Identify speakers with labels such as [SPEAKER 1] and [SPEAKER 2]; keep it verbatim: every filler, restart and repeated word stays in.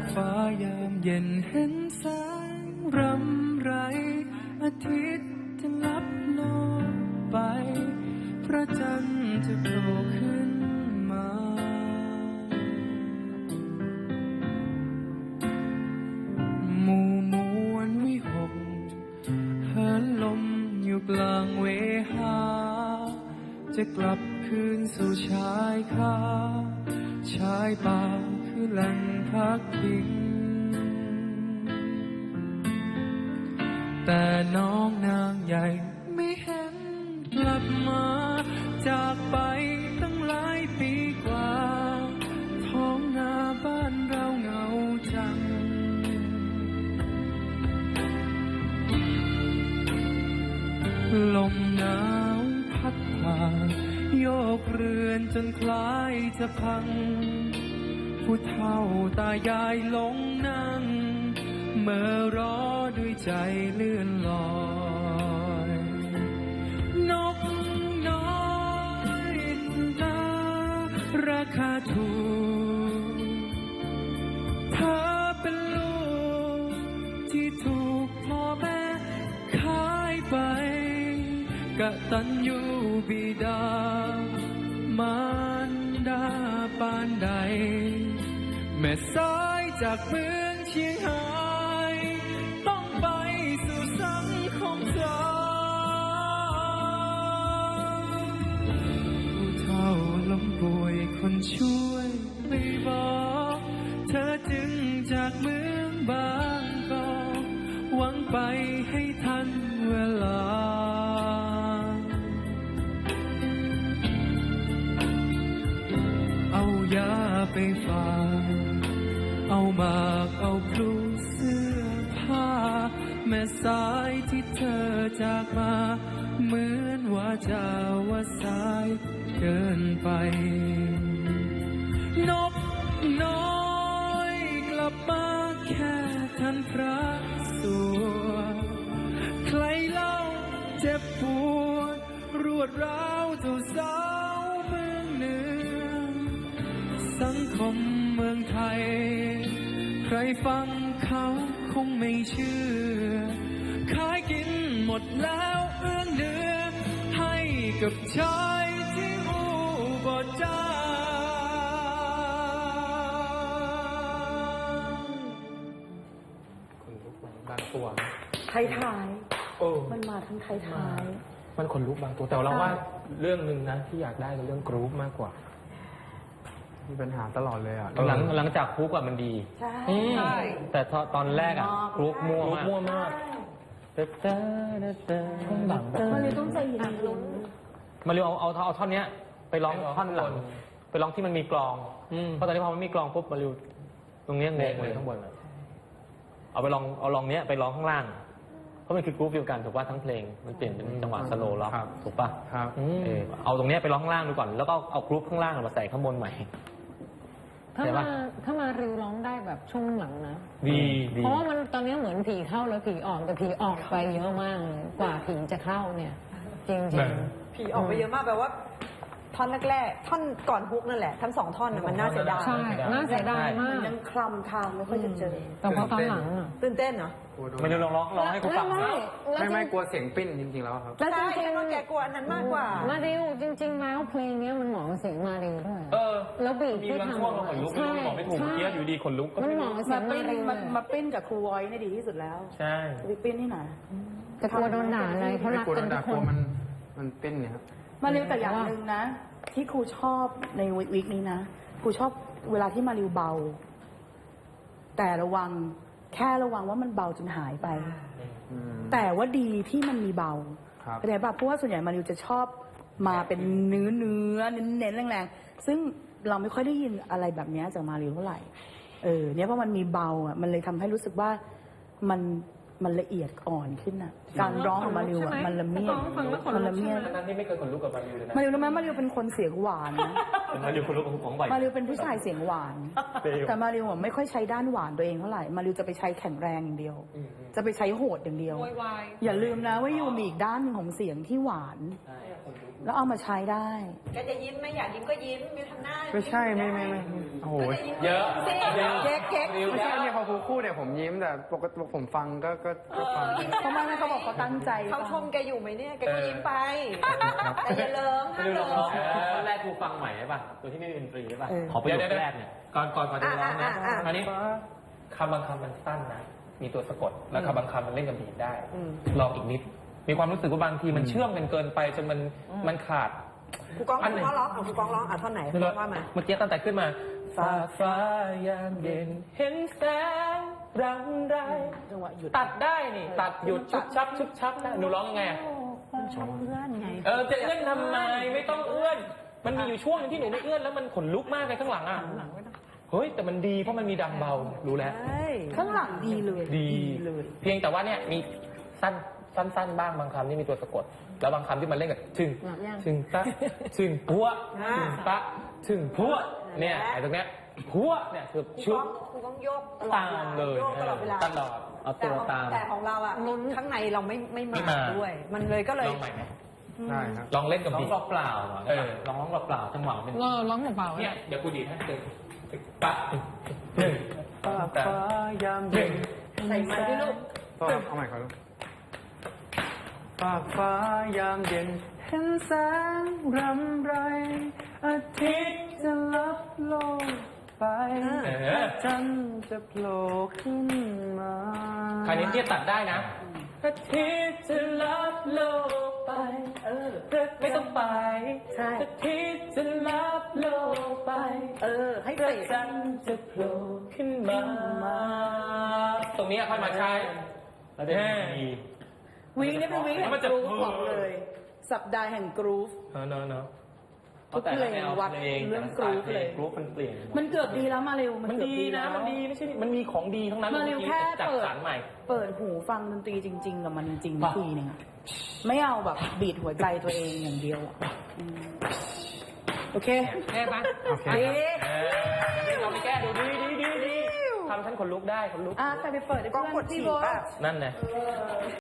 [SPEAKER 1] ฟ้ายามเย็นเห็นแสงรำไรอาทิตย์จะลับลงไปพระจันทร์จะโผล่ขึ้นมาหมู่มวลวิหกเหินลมอยู่กลางเวหาจะกลับคืนสู่ชายคาชายป่าคือแหล่งพักพิงแต่น้องนางใหญ่ไม่เห็นกลับมาจากไปตั้งหลายปีกว่าท้องนาบ้านเราเหงาจังลมหนาวพัดผ่านโยกเรือนจนคล้ายจะพังผู้เฒ่าตายายหลงนั่งเมื่อรอด้วยใจเลื่อนลอยนกน้อยนาราคาถูกเธอเป็นลูกที่ถูกพ่อแม่ขายไปกตัญญูบิดามารดาปานใดแม่สายจากเมืองเชียงหายต้องไปสู่สังคมสาวผู้เฒ่าล้มป่วยคนช่วยไม่บอกเธอจึงจากเมืองบางกอกหวังไปให้ทันเวลาเอายาไปฝากเอาหมากเอาพลูเสื้อผ้าแม่สายที่เธอจากมาเหมือนว่าจะว่าสายเกินไปนกน้อยกลับมาแค่ทันพระสวดใครเล่าเจ็บปวดรวดร้าวเท่าสาวเมืองเหนือสังคมเมืองไทยใครฟังเขาคงไม่เชื่อขายกินหมดแล้วเอื้อเนื้อให้กับชายที่อุบลจ้า
[SPEAKER 2] คนลุกบางตัว
[SPEAKER 3] ท้ายท้าย
[SPEAKER 2] โอ้
[SPEAKER 3] มันมาทั้งท้ายท้าย
[SPEAKER 2] มันคนลุกบางตัวแต่เราว่าเรื่องหนึ่งนะที่อยากได้คือเรื่องกรุ๊ปมากกว่ามีปัญหาตลอดเลยอ่ะหลังหลังจากกรุ๊ปอะมันดี
[SPEAKER 3] ใช่
[SPEAKER 2] แต่ตอนแรกอะกรุ๊ปมั่วมากมั่วมากแต่แต่แต่ช่วงหลังแบบ
[SPEAKER 3] มันเลยต้องใจเย็นลง
[SPEAKER 2] มาเร็วเอาเอาเอาท่อนเนี้ยไปร้องท่อนหลังไปร้องที่มันมีกลองเพราะตอนนี้พอมันมีกลองปุ๊บมาเร็วตรงเนี้ยงงเลยข้างบนเอาไปลองเอาลองเนี้ยไปร้องข้างล่างเพราะมันคือกรุ๊ปเดียวกันถูกป่ะทั้งเพลงมันเปลี่ยนเป็นจังหวะสโลว์ล็อกถูกป่ะเออเอาตรงเนี้ยไปร้องข้างล่างดูก่อนแล้วก็เอากรุ๊ปข้างล่างมาใส่ข้างบนใหม่
[SPEAKER 4] ถ้ามาถ้ามาริวร้องได้แบบช่วงหลังนะ
[SPEAKER 2] ดี
[SPEAKER 4] เพราะว่ามันตอนนี้เหมือนผีเข้าแล้วผีออกแต่ผีออกไปเยอะมากเลยกว่าผีจะเข้าเนี่ยจริงจริง
[SPEAKER 3] ผีออกไปเยอะมากแปลว่าท่อนแรกๆท่อนก่อนฮุกนั่นแหละทั้งสองท่อนมันน่าเสียดาย
[SPEAKER 4] ใช่น่าเสียดายมาก
[SPEAKER 3] ยังคลำทางไม่ค่อยจะเจอ
[SPEAKER 4] แต่พอตอนหลังอ่ะ
[SPEAKER 3] ตื่นเต้นเหรอ
[SPEAKER 2] ไม่ได้ร้องร้องร้องให้กูฟัง
[SPEAKER 4] ไม่
[SPEAKER 2] ไม่กลัวเสียงปิ้นจริงๆแล้วครับ
[SPEAKER 3] แล้วจริงๆว่าแกกลัวอันนั้นมากกว่า
[SPEAKER 4] มาริวจริงๆแล้วเพลงนี้มันเหมาะกับเสียงมาริวด้วย
[SPEAKER 2] เออ
[SPEAKER 4] แล้วบีบที่ทำ
[SPEAKER 2] ขนลุกไม่รู้บอกไม่ถูกเกี้ยอยู่ดีขนลุก
[SPEAKER 4] มันเหมาะกับเสียงมาริว
[SPEAKER 3] มาปิ้นกับครูไว้นี่ดีที่สุดแล้ว
[SPEAKER 2] ใช่
[SPEAKER 3] ไปปิ้นที่ไหน
[SPEAKER 4] แต่กลัวโดนด่าอะไรเขารักกันทุกคน
[SPEAKER 2] มันมันปิ้นเนี่ยครับ
[SPEAKER 3] มาริวแต่อย่างหนึ่งนะที่ครูชอบในวิกนี้นะครูชอบเวลาที่มาริวเบาแต่ระวังแค่ระวังว่ามันเบาจนหายไปแต่ว่าดีที่มันมีเบาเข้าใจป่ะเพราะว่าส่วนใหญ่มาริวจะชอบมาเป็นเนื้อเนื้อเน้นๆแรงๆซึ่งเราไม่ค่อยได้ยินอะไรแบบนี้จากมาริวเท่าไหร่เออเนี่ยเพราะมันมีเบาอ่ะมันเลยทำให้รู้สึกว่ามันมันละเอียดอ่อนขึ้นอ่ะการร้องของมาริวอ่ะมันละเมียดมันละเมียด
[SPEAKER 2] ทั้งที่ไม่เคยขนลุกกับมาริวเลยนะ
[SPEAKER 3] มาริวรู้ไหมมาริวเป็นคนเสียงหวาน
[SPEAKER 2] มาริวขนลุกของบ่อย
[SPEAKER 3] มาริวเป็นผู้ชายเสียงหวานแต่มาริวไม่ค่อยใช้ด้านหวานตัวเองเท่าไหร่มาริวจะไปใช้แข็งแรงอย่างเดียวจะไปใช้โหดอย่างเดียวอย่าลืมนะว่ายูมีอีกด้านหนึ่งของเสียงที่หวานแล้วเอามาใช้ได้
[SPEAKER 5] แกจะยิ้มไหมอยากยิ้มก็ยิ้มไม่ทำหน้า
[SPEAKER 6] ไม่ใช่ไม่ไม่ไม่โอ้โห
[SPEAKER 5] ก็จยิ้ม
[SPEAKER 2] เยอะ
[SPEAKER 5] สิ
[SPEAKER 2] เยอะ
[SPEAKER 3] เก๊กเก๊ก
[SPEAKER 6] ไม่ใช่เนี่ยพอครูพูดเนี่ยผมยิ้มแต่ปกติผมฟังก็ก็ก็ฟัง
[SPEAKER 3] เขาไม่ไม่เขาบอกเขาตั้งใจ
[SPEAKER 5] เขาชมแกอยู่ไหมเนี่ยแกก็ยิ้มไปแต่อย่าเลิม
[SPEAKER 2] ไม่
[SPEAKER 5] ห้าม
[SPEAKER 2] ดู
[SPEAKER 5] เลิ
[SPEAKER 2] ลองร้อง
[SPEAKER 5] ม
[SPEAKER 2] ท่อนแรกครูฟังใหม่ใช่ป่ะตัวที่ไม่มีดนตรีใช่ป่ะ
[SPEAKER 3] เออ
[SPEAKER 2] ขอประโยคแรกเนี่ยก่อนก่อนก่อนจะร้องนะ
[SPEAKER 5] อ่ะอ่ะอ่ะ
[SPEAKER 2] อันนี้คำบางคำมันสั้นนะมีตัวสะกดแล้วคำบางคำมันเล่นกับบีทได้
[SPEAKER 5] อืม
[SPEAKER 2] ลองอีกนิด มีความรู้สึกว่าบางทีมันเชื่อมกันเกินไปจนมันมันขาด
[SPEAKER 5] ครูกอง
[SPEAKER 2] อั
[SPEAKER 5] คน
[SPEAKER 2] ไหน
[SPEAKER 5] รูกองร้องเอาครูกองร้องอ่ะท่อนไหน
[SPEAKER 2] ไม่รู้
[SPEAKER 5] ว่ามา
[SPEAKER 2] เมื่อกี้ตั้งแต่ขึ้นมาฟ้าฟ้ายามเย็นเห็นแสงรังไร
[SPEAKER 3] จังหวะหยุด
[SPEAKER 2] ตัดได้นี่ ตัดหยุดชุบชับชุบชับได้หนูร้องยังไงอะ
[SPEAKER 3] ชอบเพื่อนไง
[SPEAKER 2] เออจะเอื้อนทำไมไม่ต้องเอื้อน มันมีอยู่ช่วงหนึงที่หนูไม่เอื้อนแล้วมันขนลุกมากเลยข้างหลังอ่ะเฮ้ยแต่มันดีเพราะมันมีดังเบารู้แล้ว
[SPEAKER 5] ใช่
[SPEAKER 3] ข้างหลังดีเลย
[SPEAKER 2] ดี
[SPEAKER 3] เลย
[SPEAKER 2] เพียงแต่ว่าเนี่ยมีสั้นสั้นๆบ้างบางคำที่มีตัวสะกด แล้วบางคำที่มันเล่นกับถึง
[SPEAKER 4] หลับยัง
[SPEAKER 2] ถึงตะถึงพัวถึงตะถึงพัวเนี่ยไอ้ตรงเนี้ยพัวเนี่ยคือ
[SPEAKER 5] ครู
[SPEAKER 2] ชุ
[SPEAKER 5] ก
[SPEAKER 2] บ
[SPEAKER 5] องครูกองโยกตลอด
[SPEAKER 2] ตามเลย
[SPEAKER 5] โยกตลอดเวลา
[SPEAKER 2] ตลอดเอาตัวตาม
[SPEAKER 5] แต่ของเราอ่ะข้างในเราไม่ไม่
[SPEAKER 2] ไม่
[SPEAKER 5] มา
[SPEAKER 2] มา
[SPEAKER 5] ด้วย มันเลยก็เลย
[SPEAKER 2] ลองใหม่ไหม
[SPEAKER 6] ได้ครับ
[SPEAKER 2] ลองเล่นกับ
[SPEAKER 7] ร้อง
[SPEAKER 2] บีท
[SPEAKER 7] เปล่าๆอ่ะ
[SPEAKER 2] เออลองร้องเปล่าๆจังหวะเป็น
[SPEAKER 4] เราร้องเปล่าๆ
[SPEAKER 2] เนี่ย
[SPEAKER 4] เนี่ย
[SPEAKER 2] เดี๋ยวกูดีดให้ตึงตึงปะหนึ่ง
[SPEAKER 6] ฟ้าฟ้ายาม
[SPEAKER 2] ห
[SPEAKER 6] เย็
[SPEAKER 2] นึ่ง
[SPEAKER 6] น
[SPEAKER 5] ใส่ไม้ด้วยลูก
[SPEAKER 6] ก็เอาใหม่ครับฟ้าฟ้ายามเย็นเห็นแสงรำไร อาทิตย์จะลับโลกไป
[SPEAKER 2] เออ
[SPEAKER 6] จันทร์จะโผล่ขึ้นมา
[SPEAKER 2] คราวนี้เทียบตัดได้นะอาทิตย์จะลับโลกไป
[SPEAKER 3] เออ
[SPEAKER 2] ไม่ต้องไป
[SPEAKER 3] ใช่
[SPEAKER 2] อาทิตย์จะลับโลกไป
[SPEAKER 3] เออ ให้
[SPEAKER 2] พระ
[SPEAKER 3] เตะ
[SPEAKER 2] จันทร์จะโผล่ขึ้นมา ตรงนี้ค่อยมาใช้
[SPEAKER 7] แล้วเดี๋ยวมี
[SPEAKER 3] วีคนี้เป็นวีคแห่ง
[SPEAKER 2] มัน
[SPEAKER 3] ก
[SPEAKER 2] จะ
[SPEAKER 3] รูฟบอกเลย สัปดาห์แห่งกรูฟ
[SPEAKER 2] เนาะเนาะเนาะ
[SPEAKER 3] ทุกเพลงวัดเรื่องกรูฟเลย
[SPEAKER 7] กรุ๊ปมันเปลี่ยน
[SPEAKER 3] มันเกือบดีแล้วมาเร็ว
[SPEAKER 2] มัน
[SPEAKER 3] เกือบ
[SPEAKER 2] ดีนะ
[SPEAKER 3] แล้ว
[SPEAKER 2] มันดีไม่ใช่มันมีของดีทั้งนั้น
[SPEAKER 3] มาเร็วแค่
[SPEAKER 2] จัด
[SPEAKER 3] เปิด
[SPEAKER 2] สรรใหม่
[SPEAKER 3] เปิดหูฟังดนตรีจริง ๆ กับมันจริง
[SPEAKER 2] ป่ะ
[SPEAKER 3] ๆทีนึงอะไม่เอาแบบบีดหัวใจตัวเองอย่างเดียวอะอืมโอเค
[SPEAKER 2] แก้ปะ
[SPEAKER 6] โอเค
[SPEAKER 3] ดี
[SPEAKER 2] เออเราไปแก้ดูดีดีดีดีทำฉันขนลุกได้ขนลุก
[SPEAKER 3] อ่ะใครไปเปิดให้
[SPEAKER 5] กล้อง
[SPEAKER 3] เพื่
[SPEAKER 5] ก
[SPEAKER 3] อ
[SPEAKER 5] ด
[SPEAKER 3] น
[SPEAKER 5] ฉี
[SPEAKER 3] พี่
[SPEAKER 5] ก
[SPEAKER 3] โบ๊ท
[SPEAKER 5] ป่ะ
[SPEAKER 2] นั่นไง